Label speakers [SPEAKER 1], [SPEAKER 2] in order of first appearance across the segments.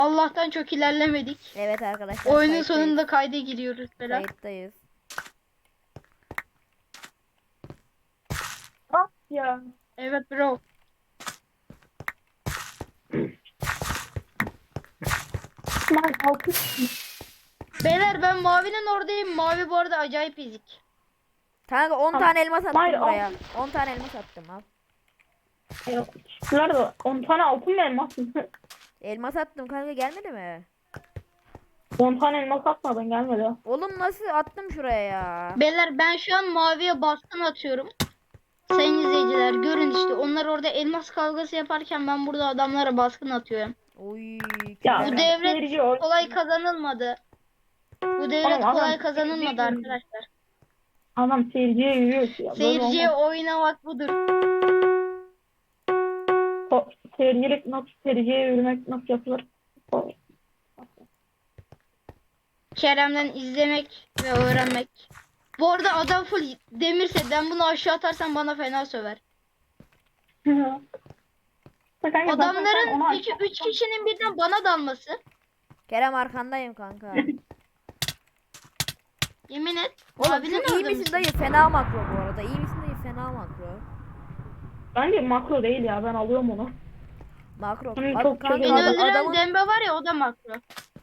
[SPEAKER 1] Allah'tan çok ilerlemedik.
[SPEAKER 2] Evet arkadaşlar.
[SPEAKER 1] Oyunun
[SPEAKER 2] kayıttayız.
[SPEAKER 1] sonunda kayda giriyoruz falan.
[SPEAKER 2] Kayıttayız.
[SPEAKER 3] Ah ya.
[SPEAKER 1] Evet bro.
[SPEAKER 3] Ben altı.
[SPEAKER 1] Beyler ben mavinin oradayım. Mavi bu arada acayip ezik.
[SPEAKER 2] Kanka 10
[SPEAKER 3] Tamam.
[SPEAKER 2] tane elmas attım
[SPEAKER 3] Hayır,
[SPEAKER 2] buraya. 10 tane elmas attım al.
[SPEAKER 3] Şunlar da 10 tane altın mı elmas mı?
[SPEAKER 2] Elmas attım kanka, gelmedi mi?
[SPEAKER 3] 10 tane elmas atmadın gelmedi.
[SPEAKER 2] Oğlum nasıl attım şuraya ya?
[SPEAKER 1] Beyler ben şu an maviye baskın atıyorum. Sayın izleyiciler görün işte. Onlar orada elmas kavgası yaparken ben burada adamlara baskın atıyorum.
[SPEAKER 2] Oy.
[SPEAKER 3] Ya,
[SPEAKER 1] Bu
[SPEAKER 2] Kerem.
[SPEAKER 1] devlet kolay kazanılmadı. Bu devlet
[SPEAKER 3] Oğlum, adam
[SPEAKER 1] kolay kazanılmadı
[SPEAKER 3] seyirciye-
[SPEAKER 1] arkadaşlar.
[SPEAKER 3] Adam seyirciye yürüyor ya. Böyle
[SPEAKER 1] Seyirciye
[SPEAKER 3] olmaz.
[SPEAKER 1] oynamak budur.
[SPEAKER 3] Seyircilik nasıl, seyirciye yürümek nasıl yapılır?
[SPEAKER 1] Kerem'den izlemek ve öğrenmek. Bu arada adam full demirse ben bunu aşağı atarsam bana fena söver. Adamların peki 3 kişinin birden bana dalması.
[SPEAKER 2] Kerem arkandayım kanka.
[SPEAKER 1] Yemin et.
[SPEAKER 2] Oğlum
[SPEAKER 1] Abinin
[SPEAKER 2] şu iyi
[SPEAKER 1] orada
[SPEAKER 2] misin
[SPEAKER 1] mısın?
[SPEAKER 2] dayı? Fena makro bu arada. İyi misin dayı? Fena makro.
[SPEAKER 3] Bence makro değil ya, ben alıyorum onu.
[SPEAKER 2] Makro.
[SPEAKER 3] Çok çok
[SPEAKER 2] Kanka
[SPEAKER 1] Beni öldüren
[SPEAKER 2] adamın
[SPEAKER 1] Dembe var ya o da makro.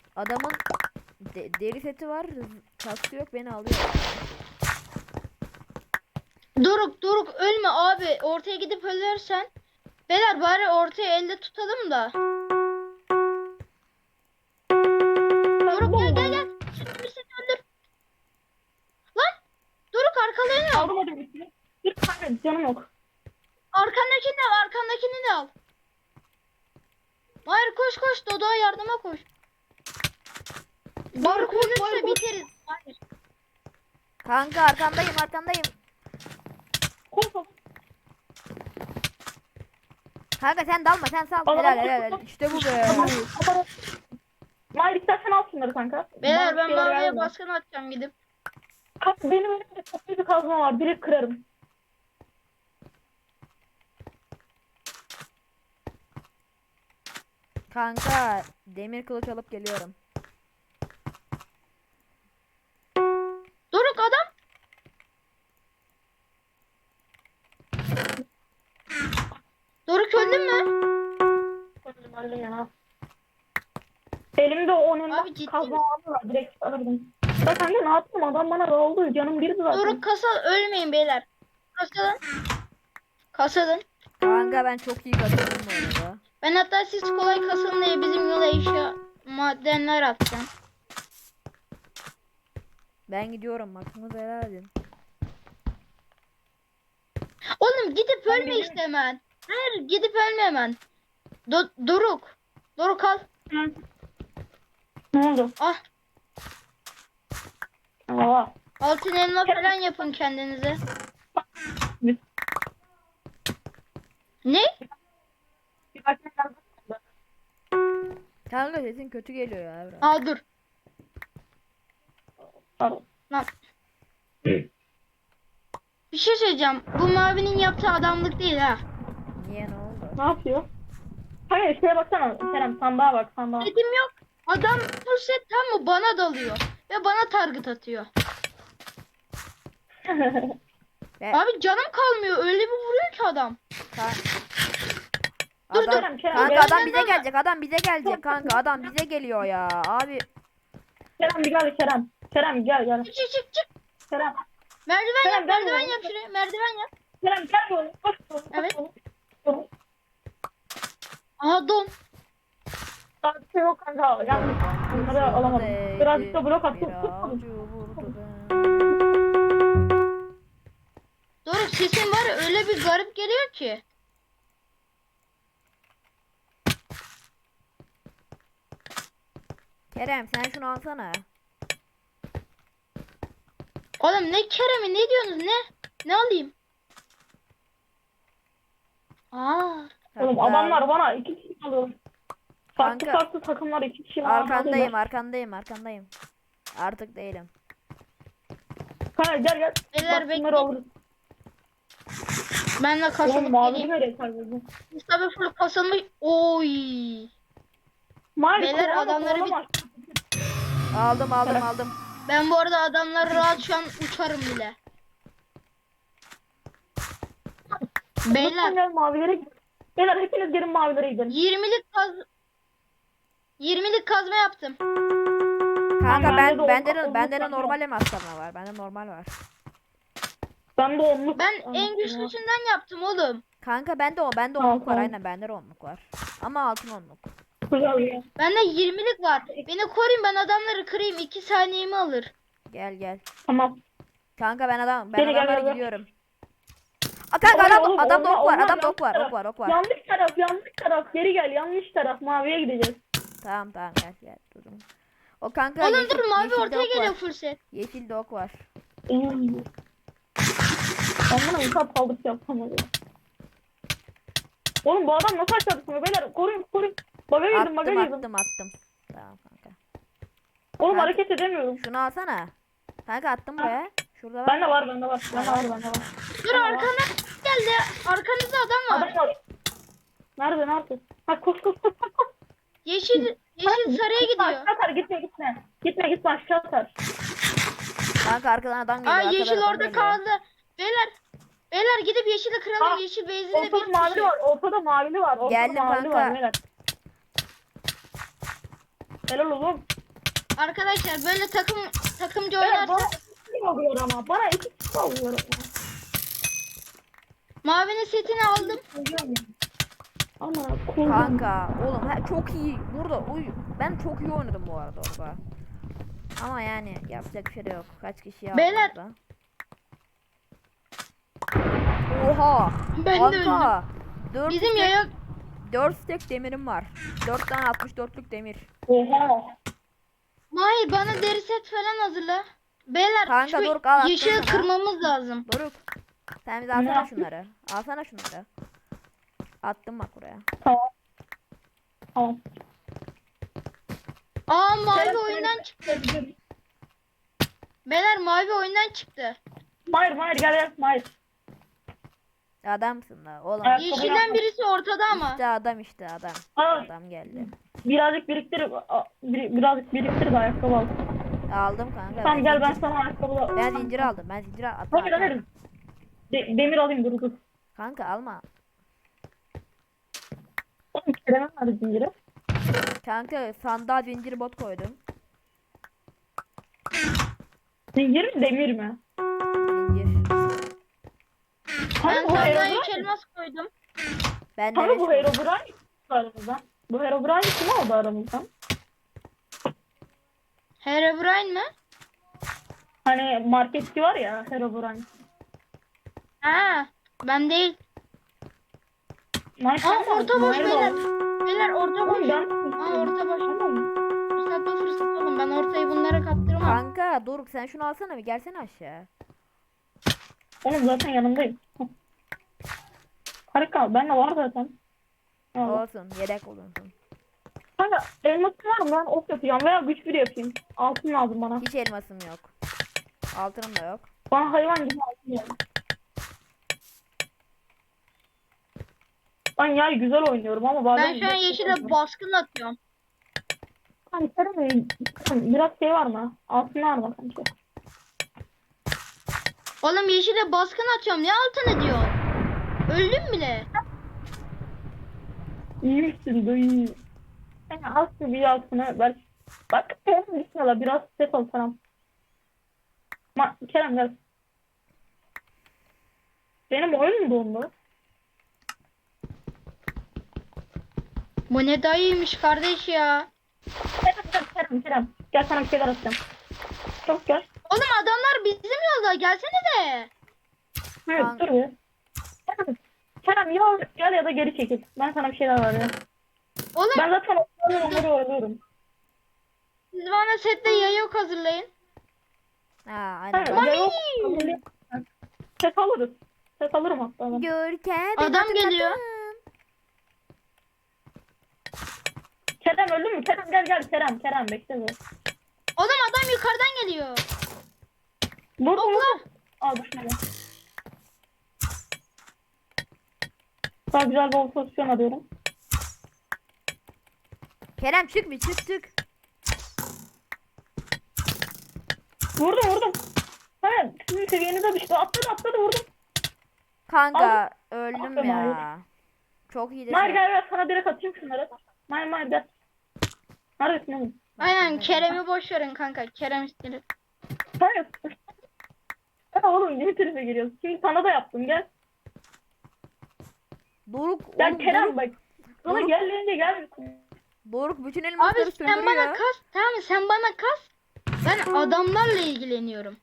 [SPEAKER 2] deri seti var. Kaskı yok, beni alıyor.
[SPEAKER 1] Doruk ölme abi. Ortaya gidip ölürsen. Beyler bari ortaya elde tutalım da. Doruk gel. Şimdi bir seni öldür. Lan. Doruk arkalarını al.
[SPEAKER 3] Aldım hadi birisini. Bir tane canım yok.
[SPEAKER 1] Arkandakini de al. Hayır koş Dodo'ya yardıma koş. Doruk ölürse biteriz. Hayır.
[SPEAKER 2] Kanka arkandayım.
[SPEAKER 3] Koş.
[SPEAKER 2] Kanka sen dalma, sen sal.
[SPEAKER 3] Adam-
[SPEAKER 2] Helal. İşte bu be.
[SPEAKER 3] Mahir istersen al şunları kanka.
[SPEAKER 1] Beyler
[SPEAKER 3] Bana
[SPEAKER 1] ben
[SPEAKER 3] şeyler
[SPEAKER 1] maviye
[SPEAKER 3] verme.
[SPEAKER 1] baskın atacağım gidip.
[SPEAKER 3] Benim elimde çok büyük bir kazma var. Direkt kırarım.
[SPEAKER 2] Kanka demir kılıç alıp geliyorum.
[SPEAKER 1] Doruk adam. Doruk öldün mü?
[SPEAKER 3] Öldüm ya. Elimde onun
[SPEAKER 1] Abi ciddi
[SPEAKER 3] kazma var. Direkt alırdım. Bak kanka ne yaptım? Adam bana oldu. Canım bir zaten.
[SPEAKER 1] Doruk ölmeyin beyler. Kasalın.
[SPEAKER 2] Kanka ben çok iyi kazandım bu arada.
[SPEAKER 1] Ben hatta siz kolay kasılın diye bizim yola eşya madenler atacağım.
[SPEAKER 2] Ben gidiyorum, hakkınızı helal edin.
[SPEAKER 1] Oğlum gidip
[SPEAKER 3] Ben
[SPEAKER 1] ölme
[SPEAKER 3] bilirim.
[SPEAKER 1] işte hemen. Hayır gidip ölme hemen. Doruk al.
[SPEAKER 3] Hı. Ne oldu?
[SPEAKER 1] Ah.
[SPEAKER 3] Aa.
[SPEAKER 1] Altın elma falan yapın kendinize. Ne?
[SPEAKER 3] Bir başka kazma.
[SPEAKER 2] Kanka sesin kötü geliyor ya Evren.
[SPEAKER 1] Aa dur.
[SPEAKER 3] Pardon.
[SPEAKER 1] Lan. Bir şey söyleyeceğim. Bu mavinin yaptığı adamlık değil ha.
[SPEAKER 2] Niye, ne oldu?
[SPEAKER 3] Ne yapıyor? Hayır şuraya baksana. Kerem sandığa bak sandığa.
[SPEAKER 1] Dedim yok. Adam bu set tam mı bana dalıyor. Ve bana target atıyor.
[SPEAKER 2] Ve
[SPEAKER 1] Abi canım kalmıyor. Öyle bir vuruyor ki adam.
[SPEAKER 3] Dur,
[SPEAKER 2] adam,
[SPEAKER 3] Kerem,
[SPEAKER 2] kanka
[SPEAKER 3] Kerem,
[SPEAKER 2] adam bize gelecek. Kanka adam bize geliyor ya. Abi
[SPEAKER 3] Kerem bir gel Kerem. Kerem gel.
[SPEAKER 1] Çık.
[SPEAKER 3] Kerem.
[SPEAKER 1] Merdiven
[SPEAKER 3] Kerem,
[SPEAKER 1] yap,
[SPEAKER 3] gel
[SPEAKER 1] merdiven
[SPEAKER 3] oğlum.
[SPEAKER 1] yap şuraya. Merdiven yap.
[SPEAKER 3] Kerem gel oğlum. Koş oğlum.
[SPEAKER 1] Evet.
[SPEAKER 3] Oğlum.
[SPEAKER 1] Aha don.
[SPEAKER 3] Daha bir şey yok kanka. Yanlış. Bunları alamadım. Birazcık da blok attım.
[SPEAKER 2] bir avcı vurdu beni.
[SPEAKER 1] Doruk sesin var ya öyle bir garip geliyor ki.
[SPEAKER 2] Kerem sen şunu alsana.
[SPEAKER 1] Oğlum ne Kerem'i ne diyorsunuz ne? Ne alayım? Aa.
[SPEAKER 3] Oğlum
[SPEAKER 2] Kanka,
[SPEAKER 3] adamlar bana 2 kişi alıyor.
[SPEAKER 2] Kanka.
[SPEAKER 3] Farklı takımlar 2 kişi bana alıyorlar.
[SPEAKER 2] Arkandayım. Artık değilim.
[SPEAKER 3] Kanka gel.
[SPEAKER 1] Beyler,
[SPEAKER 3] Bak
[SPEAKER 1] bekle.
[SPEAKER 3] bunları alırız.
[SPEAKER 1] Ben de
[SPEAKER 3] Oğlum
[SPEAKER 1] kasılıp
[SPEAKER 3] mavi
[SPEAKER 1] geleyim.
[SPEAKER 3] nereye kaybediyorsun?
[SPEAKER 1] Mustafa full kasılmış. Oy.
[SPEAKER 3] Mahir
[SPEAKER 1] Beyler,
[SPEAKER 3] kovalama,
[SPEAKER 1] adamları bir-
[SPEAKER 3] kovalama.
[SPEAKER 2] Aldım.
[SPEAKER 1] Ben bu arada adamları rahat şu an uçarım bile.
[SPEAKER 3] Lütfen
[SPEAKER 1] Beyler
[SPEAKER 3] gel mavilere gidelim. Beyler hepiniz gelin mavilere gidelim.
[SPEAKER 1] 20'lik kazma yaptım.
[SPEAKER 2] Kanka
[SPEAKER 3] bende de
[SPEAKER 2] bende
[SPEAKER 3] on-
[SPEAKER 2] de
[SPEAKER 3] on-
[SPEAKER 2] normal elmaslarına var. Bende normal var.
[SPEAKER 3] Ben de 10'luk.
[SPEAKER 1] Ben en güçlüsünden yaptım oğlum.
[SPEAKER 2] Kanka bende
[SPEAKER 3] Tamam,
[SPEAKER 2] onluk var.
[SPEAKER 3] tamam.
[SPEAKER 2] Aynen bende de onluk var. Ama altın onluk.
[SPEAKER 3] Güzel ya.
[SPEAKER 1] Bende 20'lik var. Beni koruyun, ben adamları kırayım. 2 saniyemi alır.
[SPEAKER 2] Gel.
[SPEAKER 3] Tamam.
[SPEAKER 2] Kanka ben
[SPEAKER 3] Gel,
[SPEAKER 2] adamlara
[SPEAKER 3] gel.
[SPEAKER 2] gidiyorum. Aa, kanka
[SPEAKER 3] Oğlum,
[SPEAKER 2] adamda ok var.
[SPEAKER 3] olmaz,
[SPEAKER 2] Adamda
[SPEAKER 3] yanlış
[SPEAKER 2] ok var.
[SPEAKER 3] taraf.
[SPEAKER 2] Ok var.
[SPEAKER 3] Yanlış taraf. Geri gel, yanlış taraf. Maviye gideceğiz.
[SPEAKER 2] Tamam gel durun. O kanka
[SPEAKER 1] Oğlum dur, mavi
[SPEAKER 2] yeşilde
[SPEAKER 1] ortaya
[SPEAKER 2] ok
[SPEAKER 1] geliyor
[SPEAKER 2] var.
[SPEAKER 1] full set.
[SPEAKER 2] Yeşilde ok var.
[SPEAKER 3] Ben buna yukarı saldırısı yapamadım. Oğlum bu adam nasıl aşağı düşmüyor? Beyler koruyun. Baga girdim.
[SPEAKER 2] Attım. Tamam kanka.
[SPEAKER 3] Oğlum
[SPEAKER 2] Kanka.
[SPEAKER 3] hareket edemiyorum.
[SPEAKER 2] Şunu alsana. Kanka attım buraya. Şurada var.
[SPEAKER 3] Bende var. Bende var.
[SPEAKER 1] Dur, arkana geldi. Arkanızda adam var.
[SPEAKER 3] Adam var. Nerede? Ha koş.
[SPEAKER 1] Yeşil sarıya gidiyor.
[SPEAKER 3] Aşağı atar, gitme aşağı atar.
[SPEAKER 2] Kanka arkadan adam geliyor.
[SPEAKER 1] Aa,
[SPEAKER 2] arkadan
[SPEAKER 1] yeşil
[SPEAKER 2] adam
[SPEAKER 1] orada
[SPEAKER 2] geliyor.
[SPEAKER 1] kaldı. Beyler gidip yeşili kıralım.
[SPEAKER 3] Aa,
[SPEAKER 1] Yeşil base'inde
[SPEAKER 3] Ortada
[SPEAKER 1] bir
[SPEAKER 3] mavili
[SPEAKER 1] kişi.
[SPEAKER 3] var. Ortada mavili var.
[SPEAKER 2] Geldim kanka.
[SPEAKER 3] Beyler. Helal oğlum.
[SPEAKER 1] Arkadaşlar böyle takımcı
[SPEAKER 3] Beyler bana
[SPEAKER 1] oynarsak
[SPEAKER 3] iki kişi oluyor ama. Bana iki kişi oluyor ama.
[SPEAKER 1] mavinin setini aldım.
[SPEAKER 3] Ama kullan.
[SPEAKER 2] Kanka oğlum çok iyi. Burada ben çok iyi oynadım bu arada orada. Ama yani yapacak bir şey de yok. Kaç kişi aldı
[SPEAKER 1] Beyler.
[SPEAKER 2] orada? Oha.
[SPEAKER 1] Ben de öldüm.
[SPEAKER 2] Kanka. 4
[SPEAKER 1] Bizim yaya
[SPEAKER 2] 4 stack demirim var. 4 tane 64'lük demir.
[SPEAKER 3] Oha.
[SPEAKER 1] Mahir bana deri set falan hazırla. Beyler
[SPEAKER 2] Kanka,
[SPEAKER 1] şu
[SPEAKER 2] dur, al, attım
[SPEAKER 1] yeşili
[SPEAKER 2] sana.
[SPEAKER 1] kırmamız lazım.
[SPEAKER 2] Doruk. Sen bize
[SPEAKER 3] Ne
[SPEAKER 2] alsana
[SPEAKER 3] yaptın?
[SPEAKER 2] şunları. Alsana şunları. Attım bak buraya.
[SPEAKER 3] Tamam.
[SPEAKER 1] Aa, mavi oyundan çıktı. Beyler mavi oyundan çıktı.
[SPEAKER 3] Mahir gel Mahir.
[SPEAKER 2] Adamsın da oğlum.
[SPEAKER 3] Evet.
[SPEAKER 1] Yeşilden birisi ortada ama.
[SPEAKER 2] İşte adam.
[SPEAKER 3] Aa,
[SPEAKER 2] Adam geldi.
[SPEAKER 3] birazcık biriktir de ayakkabı al.
[SPEAKER 2] Aldım kanka.
[SPEAKER 3] Tamam gel ben sana ayakkabı al.
[SPEAKER 2] Ben zincir aldım. Ben zincir attım.
[SPEAKER 3] Hayır. Demir alayım dur.
[SPEAKER 2] Kanka alma.
[SPEAKER 3] Oğlum Kerem'e ver zinciri.
[SPEAKER 2] Kanka sandığa zincir bot koydum.
[SPEAKER 3] Zincir mi demir mi?
[SPEAKER 2] Zincir.
[SPEAKER 1] Ben
[SPEAKER 3] Bu
[SPEAKER 1] sandığa
[SPEAKER 3] Herobrine
[SPEAKER 1] 3 elmas koydum.
[SPEAKER 2] Ben de
[SPEAKER 3] Kanka bu
[SPEAKER 2] beş-
[SPEAKER 3] Herobrine aramızdan. Bu Herobrine kim oldu aramızdan?
[SPEAKER 1] Herobrine mi?
[SPEAKER 3] Hani marketçi var ya Herobrine.
[SPEAKER 1] Ha, ben değil.
[SPEAKER 3] Nice
[SPEAKER 1] Aa,
[SPEAKER 3] ama
[SPEAKER 1] orta boş
[SPEAKER 3] Mahir
[SPEAKER 1] beyler.
[SPEAKER 3] var.
[SPEAKER 1] Beyler orta boş.
[SPEAKER 3] Oğlum ben...
[SPEAKER 1] Aa, orta boş.
[SPEAKER 3] Tamam.
[SPEAKER 1] Fırsat oğlum. Ben ortayı bunlara kaptırmam.
[SPEAKER 2] Kanka Doruk sen şunu alsana bir gelsene aşağı.
[SPEAKER 3] Oğlum zaten yanındayım. Harika ben de var zaten. Allah.
[SPEAKER 2] Olsun yedek olunsun.
[SPEAKER 3] Kanka elmasın var mı? Ben ok yapacağım veya güç bir yapayım. Altın lazım bana.
[SPEAKER 2] Hiç elmasım yok. Altınım da yok.
[SPEAKER 3] Bana hayvan gibi altın lazım. Ben yani güzel oynuyorum ama bazen...
[SPEAKER 1] Ben şu an yeşile baskın atıyorum.
[SPEAKER 3] Hani Kerem biraz şey var mı? Altın var mı kanka?
[SPEAKER 1] Oğlum yeşile baskın atıyorum. Ne altını diyor? Öldüm bile.
[SPEAKER 3] İyi misin dayı? Yani az bir altına belki... Bak Kerem gitmiyorlar biraz set ol sana. Kerem gel. Benim oyun mu dondu?
[SPEAKER 1] Bu ne dayıymış kardeş ya.
[SPEAKER 3] Kerem. Gel sana bir şeyler atacağım. Çok gel.
[SPEAKER 1] Oğlum adamlar bizim yolda. Gelsene de.
[SPEAKER 3] Evet
[SPEAKER 2] Kanka.
[SPEAKER 3] dur bir. Kerem ya gel ya da geri çekil. Ben sana bir şeyler vereceğim.
[SPEAKER 1] Oğlum
[SPEAKER 3] Ben zaten onları oynuyorum.
[SPEAKER 1] siz bana sette yayok hazırlayın.
[SPEAKER 2] Ha aynen.
[SPEAKER 3] Evet,
[SPEAKER 2] bak.
[SPEAKER 3] ya yok. Ses alırız. Ses alırım hatta ben.
[SPEAKER 2] Görkem.
[SPEAKER 1] Adam geliyor.
[SPEAKER 3] Kerem öldü mü? Kerem gel. Kerem bekle be.
[SPEAKER 1] Oğlum adam yukarıdan geliyor.
[SPEAKER 3] Dur.
[SPEAKER 1] Okla.
[SPEAKER 3] Al düşmedi. Daha güzel bir pozisyon alıyorum.
[SPEAKER 2] Kerem çık bir çık.
[SPEAKER 3] Vurdum. Ha, sizin seviyenize düştü. Atladı vurdum.
[SPEAKER 2] Kanka öldüm
[SPEAKER 3] Aferin
[SPEAKER 2] ya. Çok iyi
[SPEAKER 3] Mahir
[SPEAKER 2] de.
[SPEAKER 3] gel sana direkt atayım şunları. Mahir gel. Neredesin oğlum?
[SPEAKER 1] Aynen Kerem'i boş verin kanka. Kerem istedim.
[SPEAKER 3] Hayır. Ha oğlum yeni tarafa geliyorsun. Şimdi sana da yaptım gel.
[SPEAKER 2] Doruk
[SPEAKER 3] Gel
[SPEAKER 2] oğlum
[SPEAKER 3] Kerem
[SPEAKER 2] Doruk,
[SPEAKER 3] bak. Sana
[SPEAKER 2] Doruk.
[SPEAKER 3] geldiğinde gelmesin.
[SPEAKER 2] Doruk bütün
[SPEAKER 1] Abi
[SPEAKER 2] elmasları
[SPEAKER 1] sen bana
[SPEAKER 2] söndürüyor ya.
[SPEAKER 1] kas. Tamam mı? Sen bana kas. Ben adamlarla ilgileniyorum.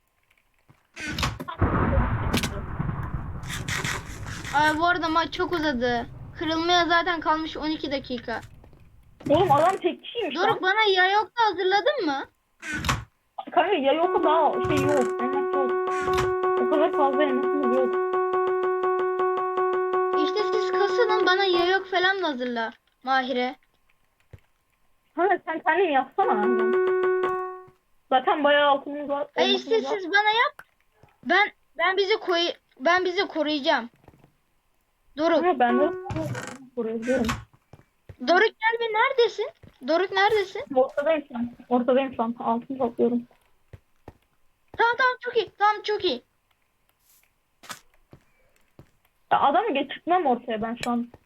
[SPEAKER 1] Ay bu arada maç çok uzadı. Kırılmaya zaten kalmış 12 dakika.
[SPEAKER 3] Oğlum adam tek kişiymiş
[SPEAKER 1] Doruk
[SPEAKER 3] lan.
[SPEAKER 1] bana yayok da hazırladın mı?
[SPEAKER 3] Kanka ya yok daha şey yok. Elmas yok. O kadar fazla elmasımız yok.
[SPEAKER 1] İşte siz kasılın bana yayok falan da hazırla. Mahire.
[SPEAKER 3] Kanka sen kendin yapsana. Zaten bayağı altınımız var.
[SPEAKER 1] Ay işte
[SPEAKER 3] elmasımız var.
[SPEAKER 1] siz bana yap. Ben bizi koruyacağım. Doruk.
[SPEAKER 3] Ama ben de buraya gidiyorum.
[SPEAKER 1] Doruk gel bir neredesin? Doruk neredesin?
[SPEAKER 3] Ortadayım şu an. Ortadayım şu an. Altını topluyorum.
[SPEAKER 1] Tamam çok iyi. Tamam çok iyi.
[SPEAKER 3] Ya adamı getirtmem ortaya ben şu an.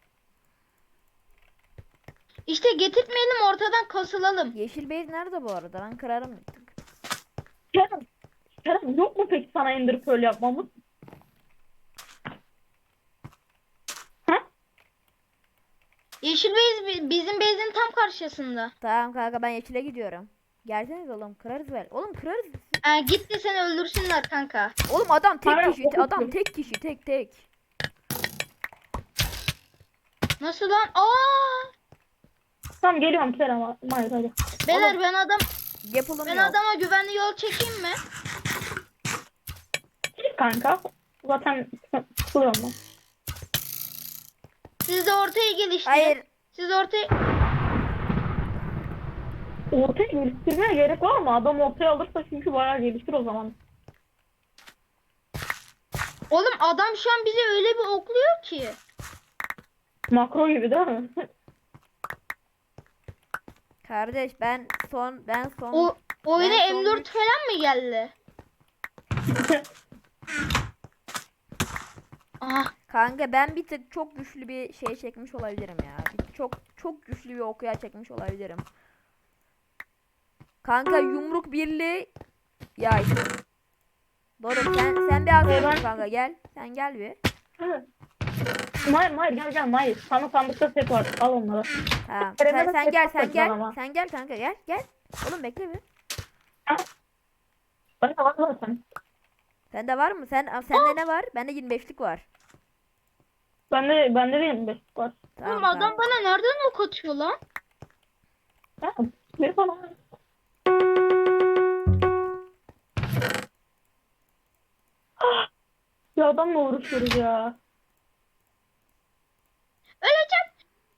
[SPEAKER 1] İşte getirtmeyelim ortadan kasılalım.
[SPEAKER 2] Yeşil base nerede bu arada? Ben kırarım bir tık.
[SPEAKER 3] Kerem yok mu peki sana Ender Pearl yapmamız? Ha?
[SPEAKER 1] Yeşil bizim base'in tam karşısında.
[SPEAKER 2] Tamam kanka ben yeşile gidiyorum. Gelseniz oğlum kırarız böyle. Oğlum kırarız.
[SPEAKER 1] Git de seni öldürsünler kanka.
[SPEAKER 2] Oğlum adam tek
[SPEAKER 3] Hayır,
[SPEAKER 2] kişi.
[SPEAKER 3] o
[SPEAKER 2] Adam
[SPEAKER 3] kırıyor.
[SPEAKER 2] tek kişi tek.
[SPEAKER 1] Nasıl lan? Aa!
[SPEAKER 3] Tamam geliyorum Kerem. Hayır hadi.
[SPEAKER 1] Beyler
[SPEAKER 2] Oğlum,
[SPEAKER 1] ben
[SPEAKER 2] yapılamıyor.
[SPEAKER 1] adama güvenli yol çekeyim mi?
[SPEAKER 3] Git kanka. Zaten sıkılıyorum ben.
[SPEAKER 1] Siz de ortaya geliştirin.
[SPEAKER 2] Hayır.
[SPEAKER 1] Siz ortaya...
[SPEAKER 3] Ortaya geliştirmeye gerek var mı? Adam ortaya alırsa çünkü bayağı geliştir o zaman.
[SPEAKER 1] Oğlum adam şu an bizi öyle bir okluyor ki.
[SPEAKER 3] Makro gibi değil mi?
[SPEAKER 2] Kardeş ben son
[SPEAKER 1] O oyuna
[SPEAKER 2] Ben son
[SPEAKER 1] M4
[SPEAKER 2] üç-
[SPEAKER 1] falan mı geldi? Aha.
[SPEAKER 2] kanka ben bir tık çok güçlü bir şey çekmiş olabilirim ya. Çok güçlü bir okuya çekmiş olabilirim. Kanka yumruk birliği yay. Doğru sen bir arkadaşım
[SPEAKER 3] Ben-
[SPEAKER 2] kanka gel. Sen gel bir.
[SPEAKER 3] Mahir gel Mahir. Sana sandıkta set var. Al onları.
[SPEAKER 2] Tamam.
[SPEAKER 3] Kerem'e de
[SPEAKER 2] Sen
[SPEAKER 3] set
[SPEAKER 2] gel
[SPEAKER 3] yapacağız ama.
[SPEAKER 2] Sen gel kanka gel. Oğlum bekle bir.
[SPEAKER 3] Ben de var zaten.
[SPEAKER 2] Sende var mı? Sende ne var? Bende 25'lik var.
[SPEAKER 3] Bende de 25 var.
[SPEAKER 2] Tamam,
[SPEAKER 1] Oğlum adam
[SPEAKER 2] tamam.
[SPEAKER 1] bana nereden ok atıyor lan?
[SPEAKER 3] Ha, bir falan. Ya adamla uğraşıyoruz ya.
[SPEAKER 1] Öleceğim.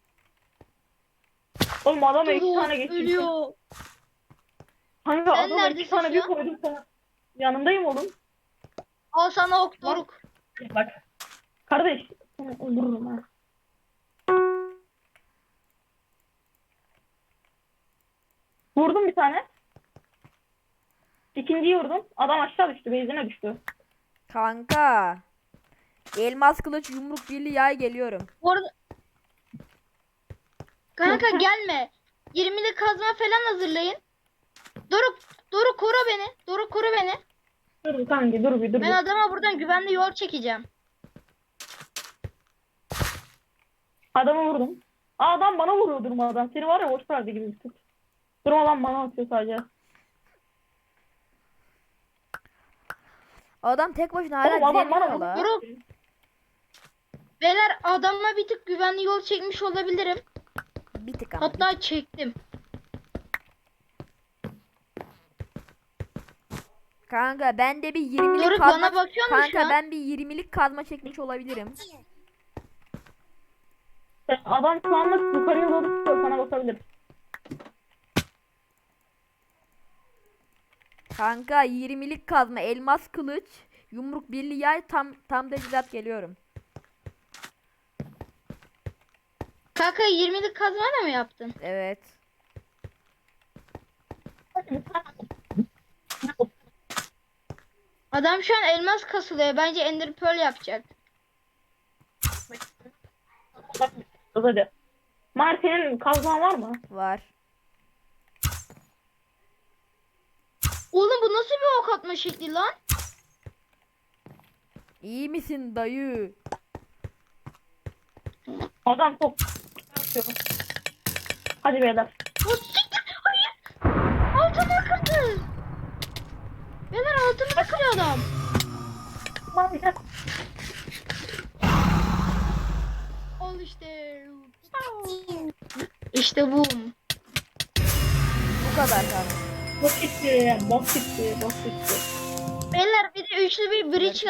[SPEAKER 3] Oğlum adama 2
[SPEAKER 1] Doruk,
[SPEAKER 3] tane geçti.
[SPEAKER 1] ölüyor.
[SPEAKER 3] Kanka
[SPEAKER 1] Sen
[SPEAKER 3] adama 2
[SPEAKER 1] neredesin
[SPEAKER 3] tane
[SPEAKER 1] şu
[SPEAKER 3] bir
[SPEAKER 1] an?
[SPEAKER 3] koydum sana. Yanındayım oğlum.
[SPEAKER 1] Al sana ok Doruk.
[SPEAKER 3] Bak. Kardeş. Seni öldürürüm ha. Vurdum bir tane. İkinciyi vurdum. Adam aşağı düştü. Beyzine düştü.
[SPEAKER 2] Kanka. Elmas kılıç yumruk birliği yay geliyorum.
[SPEAKER 1] Bu arada... Kanka gelme. 20'li kazma falan hazırlayın. Doruk koru beni. Doruk koru beni.
[SPEAKER 3] Dur kanka dur bir dur.
[SPEAKER 1] Ben adama buradan güvenli yol çekeceğim.
[SPEAKER 3] Adamı vurdum. Aa, adam bana vuruyor durmadan. Seni var ya boş verdi gibi bir tut. Durmadan bana atıyor sadece.
[SPEAKER 2] Adam tek başına hala
[SPEAKER 3] Oğlum adam bana
[SPEAKER 2] direniyor la.
[SPEAKER 1] Doruk. Beyler adamla bir tık güvenli yol çekmiş olabilirim.
[SPEAKER 2] Bir tık ama.
[SPEAKER 1] Hatta çektim.
[SPEAKER 2] Kanka ben de bir 20'lik
[SPEAKER 1] Doruk
[SPEAKER 2] kazma.
[SPEAKER 1] bana bakıyor musun şu
[SPEAKER 2] Kanka
[SPEAKER 1] an?
[SPEAKER 2] ben bir 20'lik kazma çekmiş olabilirim.
[SPEAKER 3] Adam şu anlık yukarıya doğru çıkıyor. Sana bakabilir.
[SPEAKER 2] Kanka 20'lik kazma, elmas kılıç, yumruk birliği yay tam teçhizat geliyorum.
[SPEAKER 1] Kanka Kanka 20'lik kazmayla mı yaptın?
[SPEAKER 2] Evet.
[SPEAKER 1] Adam şu an elmas kasılıyor. Bence Ender Pearl yapacak.
[SPEAKER 3] Hadi. Martin'in kazman var mı?
[SPEAKER 2] Var.
[SPEAKER 1] Oğlum bu nasıl bir ok atma şekli lan?
[SPEAKER 2] İyi misin dayı?
[SPEAKER 3] Adam çok yapıyor. Hadi beyler.
[SPEAKER 1] O siktir. Hayır. Altımı kırdı. Beyler altımı kırıyor adam.
[SPEAKER 3] Tamam gel.
[SPEAKER 1] Al işte. İşte bu.
[SPEAKER 2] Bu kadar kanka.
[SPEAKER 3] Bok gitti. Bok gitti. Bok gitti.
[SPEAKER 1] Beyler bir de üçlü bir bridge